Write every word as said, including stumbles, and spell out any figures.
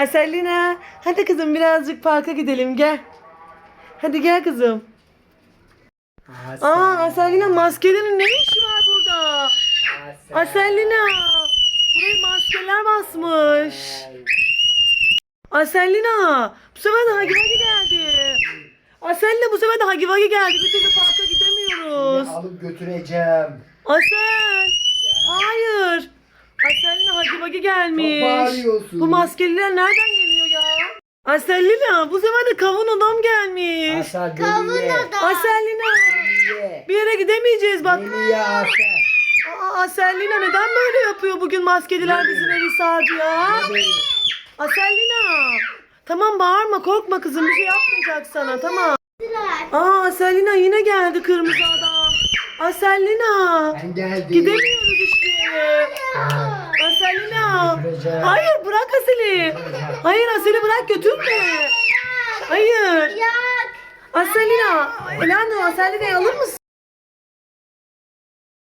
Aselina, hadi kızım birazcık parka gidelim gel. Hadi gel kızım. Aa Aselina, maskenin ne işi var burada? Aselina, buraya maskeler basmış. Aselina, bu sefer de Hagi Vagi geldi. Aselina, bu sefer de Hagi Vagi geldi. Bir türlü parka gidemiyoruz. Seni alıp götüreceğim. Asel, hayır. Aselina, Hagi Vagi gelmiş. Çok bağırıyorsun. Bu maskeliler nereden geliyor ya? Aselina, bu sefer de kavun adam gelmiş. Asel Kavun beni ye. adam. Aselina, Beni ye. bir yere gidemeyeceğiz bak. Beni ye Asel. Aa, Aselina neden böyle yapıyor bugün, maskeliler bizim evi sardı ya? Ye beni. Aselina, tamam bağırma, korkma kızım, bir şey yapmayacak sana, tamam. Aa Aselina yine geldi kırmızı adam. Aselina, Ben geldim. gidemiyoruz işte. Aselina, Götüreceğim. hayır bırak Asel'i. Hayır Asel'i bırak, götürme. Hayır. Yak. Aselina, Elando Aselina'yı alır mısın?